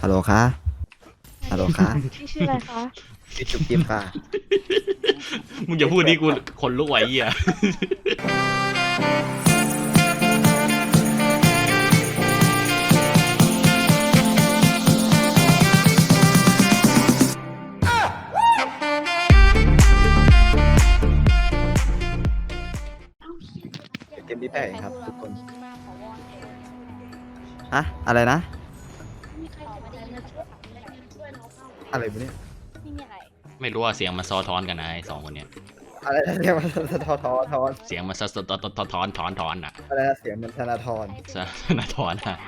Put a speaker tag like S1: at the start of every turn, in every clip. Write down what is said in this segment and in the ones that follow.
S1: ฮัลโหลค่ะฮัลโหลค่ะ
S2: พี่ชื่ออะไรคะ
S1: ชื่อจุ๊บจิ๊บค่ะ
S3: มึงอย่าพูดดิกูคนลุกไหวเหี้ย
S1: เกมนี้แปลกครับทุกคนฮะอะไรนะอะไรวะเนี่ย
S3: ไม่รู้ว่าเสียงมันซ้อท้อนกันนะไอ้สองคนเนี้ย
S1: อะไรนะเสียงมันทอน
S3: เสียงมันซ้อท้อนอ่ะ
S1: อะไรนะเสียงมันธนาธร
S3: ซะนาทอนอ่ะ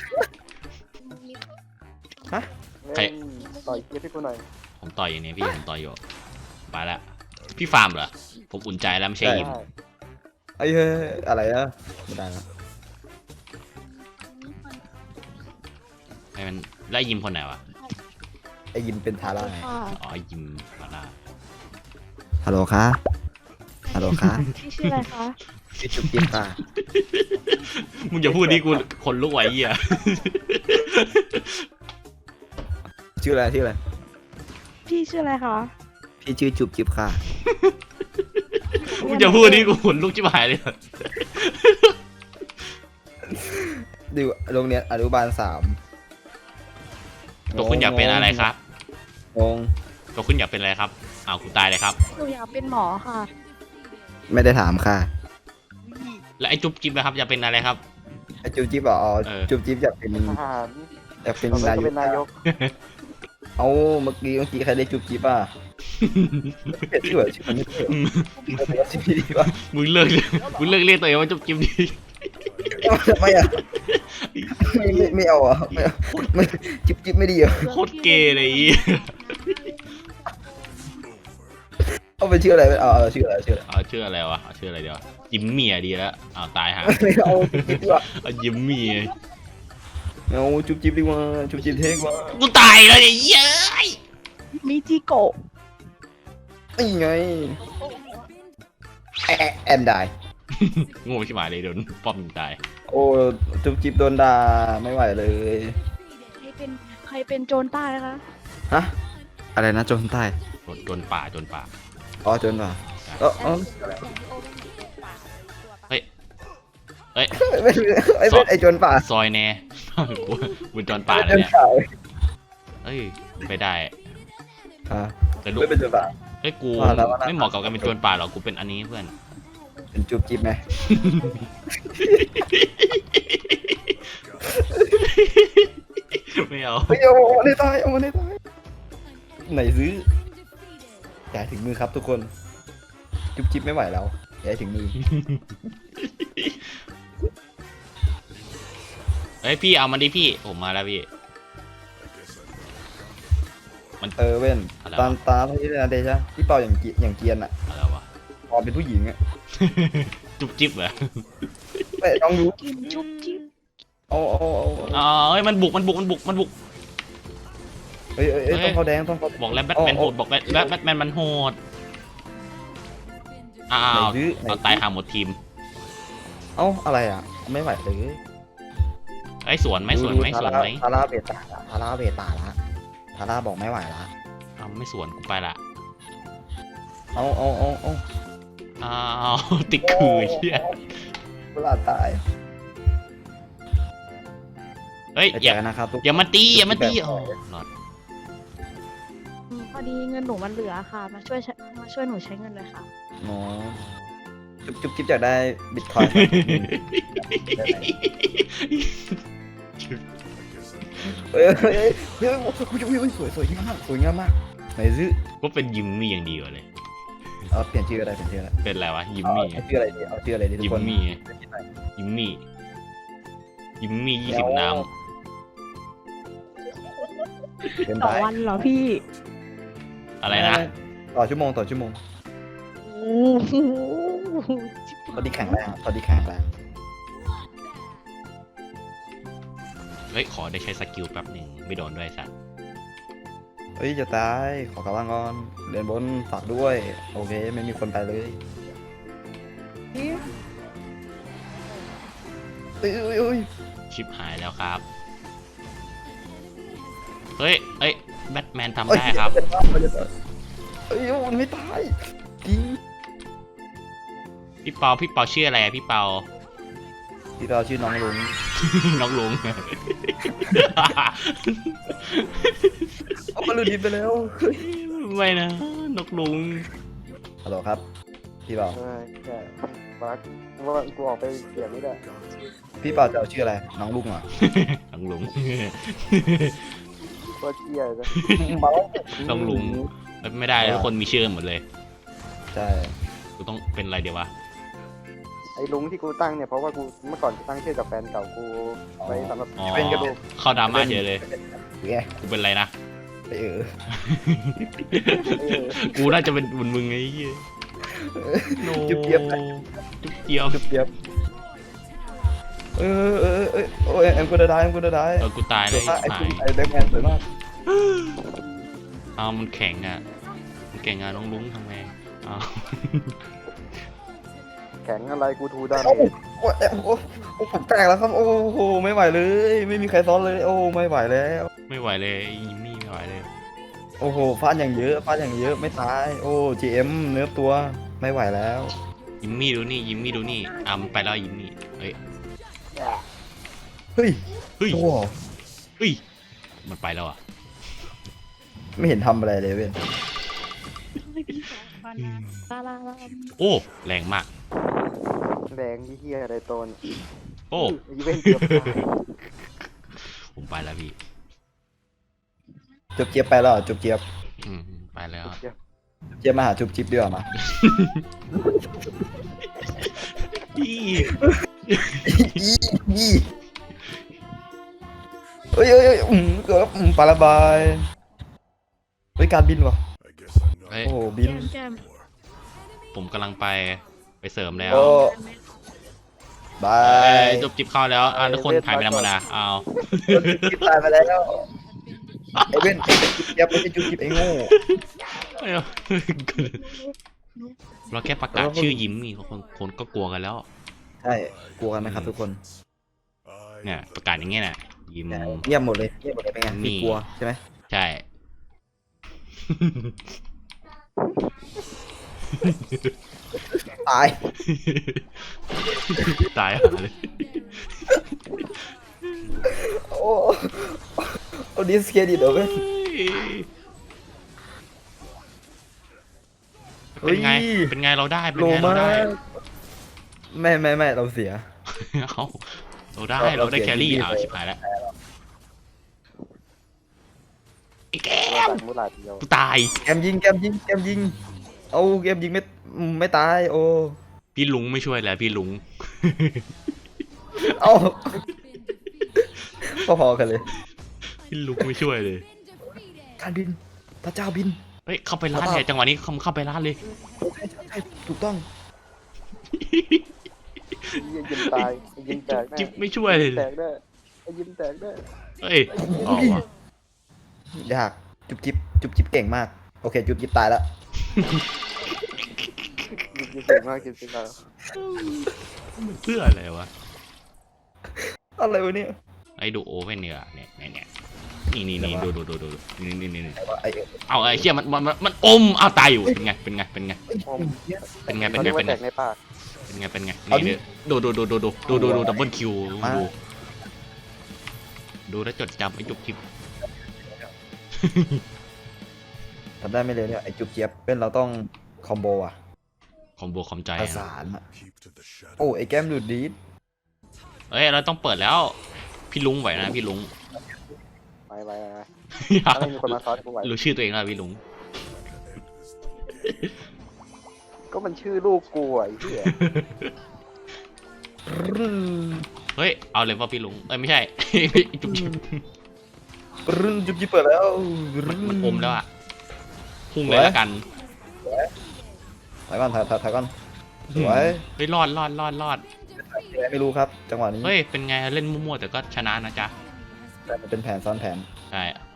S1: ฮะ
S3: ใคร
S4: ต่อยเกียร์พี่กูหน่อย
S3: ผมต่อยอยู่เนี่ยพี่ผมต่อยอยู่ไปละพี่ฟาร์มเหรอผมอุ่นใจแล้วไม่ใช่ยิม
S1: ไอ้เฮ้ยอะไรอะไม่ได้ละ
S3: ไอ้มันไล่ยิมคนไหนวะ
S1: ไอ้ยิมเป็นทาร่าไง
S2: ค่ะ
S3: อ๋อยิมมาล่า
S1: ฮัลโหลค่ะฮัลโหลค่ะ
S2: พี่ชื่ออะไรคะ
S1: ชื่อจุ๊บจิ๊บค่ะ
S3: มึงอย่าพูดดิกูคนลุกไหวเหี้ย
S1: ชื่ออะไรชื่ออะไร
S2: พี่ชื่ออะไรคะ
S1: พี่ชื่อจุ๊บจิ๊บค่ะ
S3: มึงอย่าพูดดิกูคนลุกชิบหายเลย
S1: ดูโรงเรียนอนุบาล3
S3: ตัวคุณอยากเป็นอะไรครับ
S1: งง
S3: ตัวคุณอยากเป็นอะไรครับอ้าวกูตายเลยครับ
S2: หนูอยากเป็นหมอค่ะ
S1: ไม่ได้ถามค่ะ
S3: แล้วไอ้จุ๊บจิ๊บนะครับอยากเป็นอะไรครับ
S1: ไอ้จุ๊บจิ๊บอ๋อ
S3: เออ
S1: จุ๊บจิ๊บอยากเป็น
S4: ทหาร
S1: อยากเป็น
S4: ต่อไป
S1: นา
S4: ก็
S1: ย
S4: เป็นนายก
S1: เอาเมื่อกี้ใครได้จุ๊บจิ๊บอ่ะเปลี่ยนชื่อเหรอชื่อมันไม่เปลี่ยนชื่อพี่ดีป่ะ
S3: มึงเลิกเรียกตัวเองว่าจุ๊บจิ๊บดิ
S1: ทำไมอ่ะไม่เอาอ่ะไม่เอาไม่จิ๊บจิ๊บไม่ดีอ่ะ
S3: โคตรเกย์เลยอี
S1: เอาเป็นชื่ออะไรเอาชื่ออะไรชื่ออะไร
S3: เอาชื่ออะไรวะเอาชื่ออะไรเดียวยิมมี่ดีแล้วอ้าวตายหา
S1: ไม่เอาจุ๊บจิ๊บดีกว่า
S3: เอายิมมี่
S1: เอาจุ๊บจิ๊บดีกว่าจุ๊บจิ๊บเท่กว่า
S3: กูตายแล้วเนี่ยเย้ย
S2: มิจิโกะ
S1: นี่ไงแอนได้
S3: โง่ชิบหายเลยโดนป้อมยิงตาย
S1: โอ้จุ๊บจิ๊บโดนด่าไม่ไหวเลย
S2: ใครเป็นโจรใต้นะคะ
S1: ฮะอะไรนะโจนใต้
S3: โดนป่า
S1: อ๋อโจนป่ะเออ
S3: เฮ้ย
S1: ไม่เป็นไอโจนป่า
S3: ซอยแน่ กูโดนป่า
S1: โจ
S3: แล้ว
S1: น
S3: เนี่ย
S1: ป่า
S3: เฮ้ยไปได้
S1: อ่า
S3: แต่ลูก
S1: ไม่เป็นโจนป่า
S3: เฮ้ยกู
S1: ว่าแล้วว่าแล้ว
S3: ไม่เหมาะกับการเป็นโจรป่าหรอกกูเป็นอันนี้เพื่อน
S1: เป็นจุ๊บจิ๊บไหม
S3: ไม่เอา
S1: ไม่เอาในตายเอาในตายไหนซื้ออย่าถึงมือครับทุกคนจุ๊บจิ๊บไม่ไหวแล้วอย่าถึงมือ
S3: เฮ้ยพี่เอามันดิพี่ผมมาแล้วพี่
S1: เว้น
S3: อะไรวะ
S1: ตาที่นาเดชะที่เป่าอย่างเกียนอ่ะ
S3: อะไรวะ
S1: พอเป็นผู้หญิงอ่ะ
S3: จุ๊บจิ๊บเหรอ
S1: ไม่ต้องรู้
S2: กินจุ๊บจิ๊บ
S1: เอา
S3: อ๋อเฮ้ยมันบุก
S1: เฮ้ยต้องเขาแดงต้องเขา
S3: บอกแล้วแบทแมนโหดบอกแล้วแบทแมนมันโหดอ้าว
S1: ไหนซื้อ
S3: เอาตายหาหมดทีม
S1: เอาอะไรอ่ะไม่ไหวเลย
S3: ไอ้ยสวนไหม
S1: ทาร่าเบตาละทาร่าเบตาละทาร่าบอกไม่ไหวละ
S3: เอาไม่สวนกูไปละ
S1: เอา
S3: อ้าวติดคือเชี่ย
S1: เวลาตาย
S3: เฮ้ย
S1: ไป
S3: อ
S1: เจ
S3: ย่า
S1: อกันนะครับทุก
S3: อย่ามาตีโอ้หลอด
S2: พอดีเงินหนูมันเหลือค่ะ มาช่วยหนูใช้เงินเลยค่ะ
S1: อ๋อจุ๊บจิ๊บอยากได้บิตคอยน์เฮ้ยสวยงามมากไหนซื้อ
S3: ก็เป็นยิมมี่อย่างดีกว่าเลย
S1: เอาเปลี่ยนชื่ออะไร
S3: เป็นอะไรวะยิมมี่
S1: เอาชื่ออะไรดีทุ
S3: ยิ
S1: ก
S3: ม
S1: คน
S3: มี่20 น้
S1: เป็น
S2: ต่อ
S1: ได้
S2: วันเหรอพี่
S3: ำอะไรนะ
S1: ต่อชั่วโมง
S2: โอ้โห
S1: ตอนนี้แข็งแรง
S3: เฮ้ยขอได้ใช้สกิลแป๊บหนึ่งไม่โดนด้วยสัตว์
S1: เฮ้ยจะตายขอกลับบ้านก่อนเรียนบนฝากด้วยโอเคไม่มีคนไปเลยเอ้ย
S3: ชิปหายแล้วครับเฮ้ยแบทแมนทำได้ครับ
S1: เอ้ยมันไม่ตายจริง
S3: พี่เปาชื่ออะไรอะพี่เปา
S1: ที่เราชื่อน้องลุง
S3: น้องลุง
S1: เอามาลุดินไปแล้ว
S3: ไม่นะนกลุง
S1: ฮัลโหลครับพี่เปา
S4: ใช่บักว่ากูออกไปเสียงไม่ได้
S1: พี่เปาจะเอาชื่ออะไรน้องลุงเหรอ
S3: น้องลุง
S4: ว่าเจียเลย
S3: น้องลุงไม่ได้ทุกคนมีชื่อหมดเลย
S1: ใช่
S3: กูต้องเป็นอะไรเดี๋ยววะ
S4: ไอ้ลุงที่กูตั้งเนี่ยเพราะว่ากูเมื่อก่อนกูตั้งชื่อกับแฟนเก่ากูไว้สำหรับ
S3: อ๋อ
S4: เป็นกระดูก
S3: เข้าดราม่าเฉยเลย
S1: ไง
S3: กูเป็นอะไรนะ
S1: ไปเออ
S3: กูน่าจะเป็นบุญมึงไอ้เหี้ยโน
S1: จุ๊บเจี๊ยบ
S3: จุ๊บเจี๊ยบ
S1: จุ๊บเจี๊ยบโอ้ยแอมกูจะได้
S3: กูตายเลย
S1: ไอ้
S3: ตา
S1: คุณ
S3: ย
S1: ไอ้แบ็คแมนสวยมาก
S3: เอามันแข็งอ่ะมันแข็งอ่ะน้องลุงทำไงเอา
S4: แข็งอะไรกูทูดาเม
S1: โอ้
S4: จ
S1: โหผมแตกแล้วครับโอ้โหไม่ไหวเลยไม่มีใครซ้อนเลยโอ้ไม่ไหวแล้ว
S3: ไม่ไหวเลยยิมมี่ไม่ไหวเลย
S1: โอ้โหฟาดอย่างเยอะไม่ตายโอ้ GM เนื้อตัวไม่ไหวแล้ว
S3: ยิมมี่ดูนี่ยิมมี่ดูนี่มันไปแล้วยิมมี่เฮ้ย
S1: เฮ้ย
S3: เฮ้ย
S1: โอ้
S3: เฮ้ยมันไปแล้วอ่ะ
S1: ไม่เห็นทำอะไรเลยเว้ย
S3: โอ้แรงมาก
S4: แรงที่เฮียอะไรโตน
S3: โอ้
S4: อีเวนต์เกือบตาย
S3: ผมไปแล้วพี่
S1: จุบเจี๊ยบไปแล้วเหรอจุบเจี๊ยบ
S3: ไปแล้ว
S1: เจี๊ยบมาหาจุบจิ๊บดีกว่ามา
S3: พี่
S1: ยี่เฮ้ยเกือบปลาระบายเฮ้ยการบินวะ
S3: เฮ้ย
S1: โอ้บิน
S2: แก้ม
S3: ผมกำลังไปเสริมแล้ว
S1: โอ้บา
S3: เอ้
S1: ย
S3: ยจบจิบเข้าแล้วทุกคนถ่ายไปธรรมดาเอา
S1: จิ๊บตายไปแล้วไอ้เว้นจุบเจี๊ยบไม่ใช่จุบจิ๊บไอ้โง่
S3: เราแค่ประกาศชื่อยิ้มนี่คนก็กลัวกันแล้ว
S1: ใช่กลัวกันไหมครับทุกคน
S3: เนี่ยประกาศอย่างเงี้ยน่ะยิ้ม
S1: เงียบหมดเลยเป็นไง
S3: นี่
S1: พี่กลัวใช่ไหม
S3: ใช่
S1: ตาย
S3: ตายหาเลย
S1: โอ้ดิสเครดิตเหรอเว้ย
S3: เป็นไง เป็นไงเราได้ เป็น
S1: โล
S3: ไงเรา
S1: มา
S3: ได้
S1: กไม่เราเสีย
S3: เอาเราได้
S1: เรา
S3: เราได้
S1: เสีย
S3: แครี่
S1: ที่
S3: ชิบหายแล้วไอ้แก
S4: เรา
S3: ม
S4: ตัดมูลาดเดียว
S3: กูตาย
S1: แกมยิงเอาเกมยิงไม่ตายโอ้
S3: พี่ลุงไม่ช่วยแล้วพี่ลุง
S1: เอาพอๆกันเลย
S3: พี่ลุงไม่ช่วยเลย
S1: การบินพระเจ้าบิน
S3: เฮ้ยเข้าไปร้านเนี่ยจังหวะนี้เข้าไปร้านเลย
S1: ใช่ถูกต้อง
S4: ยิงตายยิงแตกแน่
S3: จิ๊บไม่ช่วยเลย
S4: แตกได้ยิงแตกได้
S3: เฮ้ยเอาว่ะ
S1: ยากจุบจิ๊บเก่งมากโอเคจุบจิ๊บตายแล้ว
S4: ยิงเก่งมากจริงๆแล้ว
S3: เพื่ออะไรวะ
S1: อะไรวะเนี่ย
S3: ไอ้ดูโอเว่นเนี่ยเนี่ยนี่ดูนี่
S1: แต่ว่าไอ้
S3: เอาไอ้เชี่ยมันอมเอาตายอยู่เป็นไง
S4: อม
S3: เป็นไง
S4: เขาเรียกว่าแตกในปาก
S3: นี่ดูดับเบิลคิวดูแล้วจดจำไอ้จุกจิบ
S1: ทำได้ไม่เร็วเนี่ยไอ้จุบเจี๊ยบเป็นเราต้องคอมโบอ่ะ
S3: คอมโบคอมใจ
S1: ประสานอะโอ้ไอ้แก้มดูดดีด
S3: เฮ้ยเราต้องเปิดแล้วพี่ลุงไหวนะพี่ลุง
S4: ไปถ้าไม่มีคนมาซ้อนกูไหว
S3: รู้ชื่อตัวเองแล้วพี่ลุง
S4: ก็มันชื่อลูกกูไอ้เหี้ย
S3: เฮ้ยเอาเลยว่าพี่ลุงไม่ใช่ จุกจิบ
S1: จุบจิ๊บเปิดแล้ว
S3: มันอมแล้วอะพุ่งเลยแล้วกัน
S1: ถ่ายก่อนสวย
S3: เฮ้ยรอด
S1: ไม่รู้ครับจังหวะนี้
S3: เฮ้ยเป็นไงเล่นมั่วๆแต่ก็ชนะนะจ๊ะ
S1: แต่มันเป็นแผนซ้อนแผน
S3: ใช่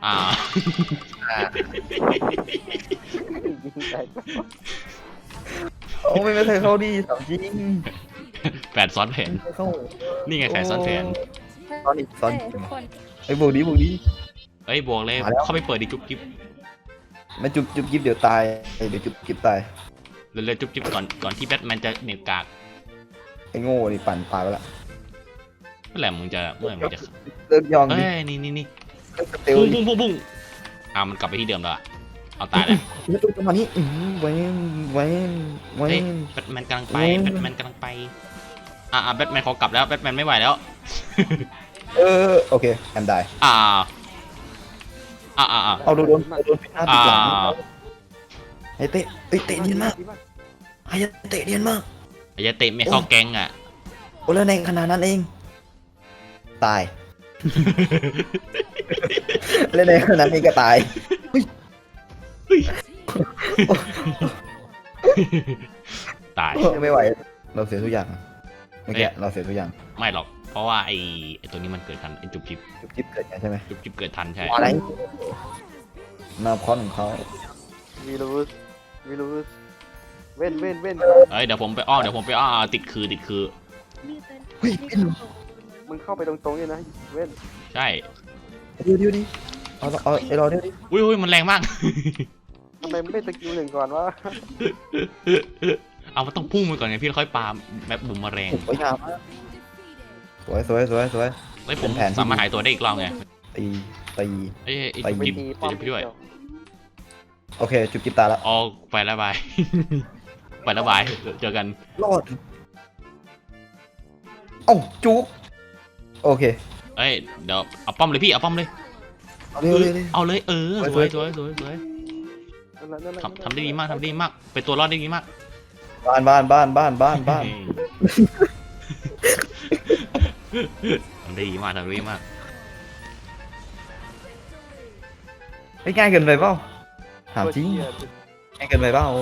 S4: ยิงแตก
S1: โอ้ไม่เคยเข้าดีสามจริง
S3: แผนซ้อนแผน
S1: ไม่เข้า
S3: นี่ไงแผนซ้อนแผน
S1: ซ้อนอีก
S2: ทุกคน
S1: ไอ้บวกดี
S3: เอ้ยบวกเลย
S1: มาแล้ว
S3: เข้าไปเปิดดิจุ๊บจิ๊บ
S1: ไม่จุบจุบจิ๊บเดี๋ยวตายเดี๋ยวจุบจิ๊บตาย
S3: เร็วๆจุ๊บจิ๊บก่อนที่แบทแมนจะเหนี่ยวกาก
S1: ไอ้โง่นี่ปั่นตายไปละ
S3: เมื่อไหร่มึงจะ
S1: เลิกยอง
S3: เอ้
S1: ดิ
S3: ยนี่
S1: เลิกสเตล
S3: บุ้ง
S1: ดิ
S3: บุ้งมันกลับไปที่เดิมแล้วอะเอาตายแล้ว
S1: แล้วจังหวะนี้เว้น
S3: เฮ้ยแบทแมนกำลังไปแบทแมนกำลังไปแบทแมนขอกลับแล้วแบทแมนไม่ไหวแล้ว
S1: โอเคแอมได้
S3: อ่า
S1: เอาโดนปิดหน้าปิดหลังไอ้เตะเตะเนียนมากไอ้เตะเนียนมาก
S3: ไอ้ยาเตะไม่เข้าแก๊งอ่ะ
S1: โอ้แล้วในขนาดนั้นเองตายเล่นในขนาดนั้นเองก็ตาย
S3: ตาย
S1: ไม่ไหวเราเสียทุกอย่างเมื่อกี้เราเสียทุกอย่าง
S3: ไม่หรอก เพราะว่าไอ้ตัวนี้มันเกิดทันไอ้จุ๊บจิ๊บ
S1: จุบจิ๊บเกิดไงใช่ไหม
S3: จุ๊บจิ๊บเกิดทันใช่
S1: อะไรนาคอนของเขา
S4: วีลูสเว้น
S3: เอ้ยเดี๋ยวผมไปอ้อติดคือ
S2: นี่เป็น
S1: เฮ้ย
S2: นี่
S1: เป็น
S4: มึงเข้าไปตรงๆนี่นะเว้น
S3: ใช่
S1: เดี๋ยวดิเอาไอ้รอเดี๋ยวดิ
S3: อุ้ยมันแรงมาก
S4: ทำไมไม่สกิลหนึ่งก่อนวะ
S3: เอามันต้องพุ่งไปก่อนไงพี่แล้วค่อยปาแบบบุมมาแรง
S1: สวยงามมากสวย
S3: เฮ้ยผม
S1: เป็นแผนที่
S3: สามารถหายตัวได้อีกรอบไง
S1: ตี
S3: เอ้ยไอ้
S1: ไป
S3: จุ๊บ
S4: ไป
S3: จิ๊บ
S4: ตีป้อม
S3: เดี๋ยวพี่ด้วย
S1: โอเคจุบจิ๊บตายละ
S3: อ๋อไปแล้วบาย ไปแล้วบายเจอกัน
S1: รอดเอ้าจุกโอเค
S3: เอ้ยเดี๋ยวเอาป้อมเลยพี่เอาป้อมเลย
S1: เอาเร็ว
S3: เอาเลยสวยทำได้ดีมากเป็นตัวรอดได้ดีมาก
S1: บ้าน
S3: ทำได้ดีมาก
S1: ไม่ง่ายเกินไปเปล่าถามจริง
S4: เหี้ย
S1: ง่ายเกินไปเปล่า